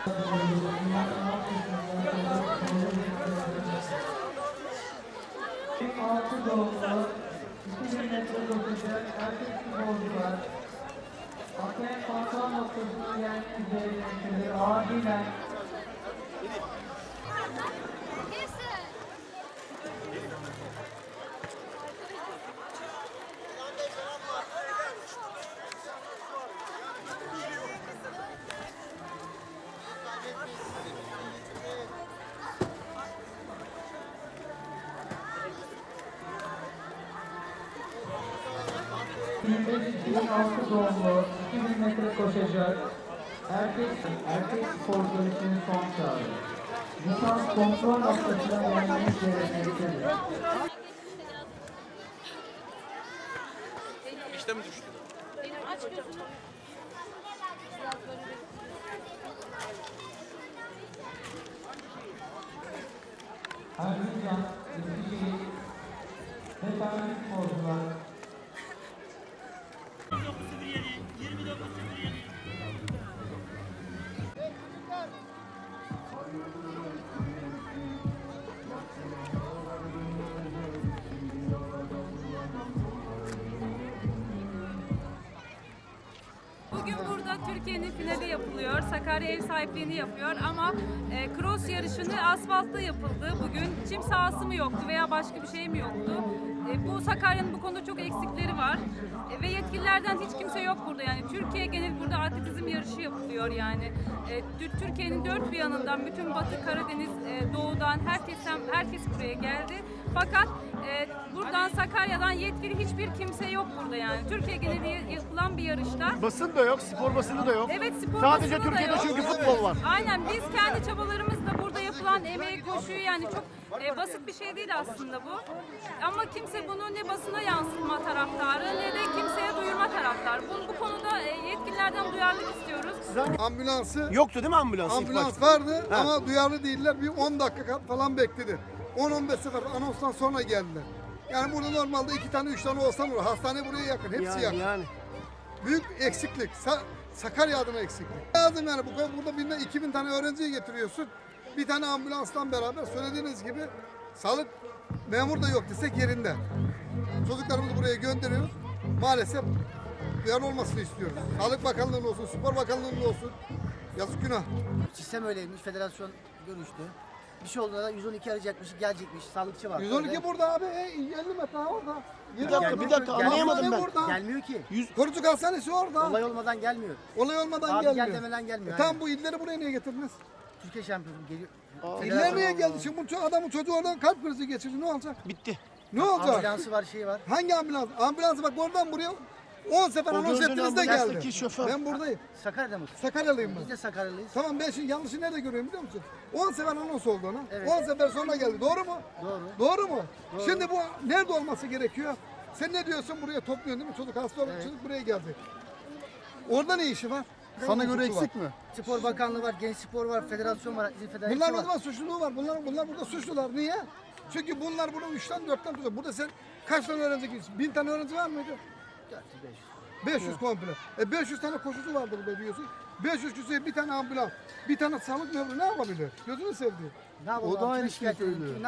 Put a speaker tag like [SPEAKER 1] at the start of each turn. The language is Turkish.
[SPEAKER 1] Altı doğumlu 2000 metre koşacak erkek futbolcular ATM kontrol noktasına gelmek üzere acilen ...2006 doğumlu 2000 metre koşacak erkek sporcular için son çağrı. Lisans kontrol noktasına gelmeniz gerekmektedir.
[SPEAKER 2] İşte mi düştü?
[SPEAKER 3] Aç gözünü.
[SPEAKER 1] Erzincan, Eskişehir ve tarihi sporcular
[SPEAKER 3] Bugün burada Türkiye'nin finali yapılıyor. Sakarya ev sahipliğini yapıyor ama cross yarışını asfaltta yapıldı. Bugün çim sahası mı yoktu veya başka bir şey mi yoktu? Bu Sakarya'nın bu konuda çok eksikleri var. Ve yetkililerden hiç kimse yok burada. Yani Türkiye genel burada atletizm yarışı yapılıyor yani. Türkiye'nin dört bir yanından bütün Batı, Karadeniz, Doğu'dan herkes buraya geldi. Fakat buradan Sakarya'dan yetkili hiçbir kimse yok burada yani. Türkiye geneli yapılan bir yarışta.
[SPEAKER 4] Basın da yok, spor basını da yok.
[SPEAKER 3] Evet, spor
[SPEAKER 4] Sadece
[SPEAKER 3] basını da
[SPEAKER 4] Türkiye'de
[SPEAKER 3] yok.
[SPEAKER 4] çünkü futbol var.
[SPEAKER 3] Aynen, biz kendi çabalarımızla burada yapılan emeği, koşuyu yani çok basit bir şey değil aslında bu. Ama kimse bunu ne basına yansıtma taraftarı ne de kimseye duyurma taraftarı. Bu konuda yetkililerden duyarlılık istiyoruz.
[SPEAKER 5] Ambulansı
[SPEAKER 4] Yoktu değil mi ambulans? ilk
[SPEAKER 5] ambulans
[SPEAKER 4] başta?
[SPEAKER 5] vardı
[SPEAKER 4] Ha.
[SPEAKER 5] ama duyarlı değiller. Bir 10 dakika falan bekledi. 10-15 sefer anonstan sonra geldiler. Yani burada normalde 2 tane 3 tane olsa olur. Hastane buraya yakın. Hepsi yakın.
[SPEAKER 4] Yani.
[SPEAKER 5] Büyük eksiklik. Sakarya adına eksiklik. Lazım yani. Burada birine 2000 tane öğrenciyi getiriyorsun. Bir tane ambulanstan beraber söylediğiniz gibi sağlık memur da yok desek yerinde. Çocuklarımızı buraya gönderiyoruz. Maalesef duyarlı olmasını istiyoruz. Sağlık Bakanlığı'nın olsun, Spor Bakanlığı'nın olsun. Yazık günah.
[SPEAKER 6] Sistem öyleymiş, federasyon görüştü. Bir şey olduğunda da 112 arayacakmış, gelecekmiş, sağlıkçı var.
[SPEAKER 5] 112 burada abi, 50 metre orada.
[SPEAKER 4] Bir dakika anlayamadım ben.
[SPEAKER 5] Burada.
[SPEAKER 6] Gelmiyor ki.
[SPEAKER 5] Korucuk Hastanesi orada.
[SPEAKER 6] Olay olmadan gelmiyor.
[SPEAKER 5] Olay olmadan
[SPEAKER 6] Abi
[SPEAKER 5] gelmiyor.
[SPEAKER 6] gel demeden gelmiyor.
[SPEAKER 5] Tam bu illeri buraya niye getirdiniz?
[SPEAKER 6] Türkiye şampiyonu geliyor.
[SPEAKER 5] İller niye geldi? Şimdi bu adamın çocuğu oradan kalp krizi geçirdi. Ne olacak?
[SPEAKER 4] Bitti.
[SPEAKER 5] Ne olacak?
[SPEAKER 6] Ambulansı var, şeyi var.
[SPEAKER 5] Hangi ambulans? Ambulansı bak oradan buraya 10 sefer anons
[SPEAKER 4] gördüğün
[SPEAKER 5] ettiniz de
[SPEAKER 4] ambulanstaki
[SPEAKER 5] geldi.
[SPEAKER 4] şoför.
[SPEAKER 5] Ben buradayım.
[SPEAKER 6] Sakarya'da mı?
[SPEAKER 5] Sakaryalıyım
[SPEAKER 6] Biz
[SPEAKER 5] ben.
[SPEAKER 6] de Sakaryalıyız.
[SPEAKER 5] Tamam ben şimdi yanlışı nerede görüyorum biliyor musun? 10 sefer anons oldu ona.
[SPEAKER 6] Evet.
[SPEAKER 5] 10 sefer sonra geldi. Doğru mu?
[SPEAKER 6] Doğru.
[SPEAKER 5] Doğru mu? Şimdi bu nerede olması gerekiyor? Sen ne diyorsun buraya topluyorsun değil mi? Çocuk hasta olmuş, çocuk buraya geldi. Orada ne işi var? Sana göre eksik mi?
[SPEAKER 6] Spor Bakanlığı var, Genç Spor var, federasyon var, izin federasyonu
[SPEAKER 5] Bunlar o
[SPEAKER 6] var.
[SPEAKER 5] zaman suçluluğu var. Bunlar burada suçlular. Niye? Çünkü bunlar bunu 3'ten 4'ten tutuyor. Burada sen kaç tane öğrenci gidiyorsun? 1000 tane öğrenci var mıydı? 500 komple. 500 tane koşucu vardı burada diyorsun. 500 kişiye bir tane ambulans, bir tane sağlık memuru ne yapabilir? Gözünü sevdiği.
[SPEAKER 6] Ne yapalım?
[SPEAKER 5] O da aynı
[SPEAKER 6] Şikayet
[SPEAKER 5] şeyi
[SPEAKER 6] edelim.
[SPEAKER 5] söylüyor.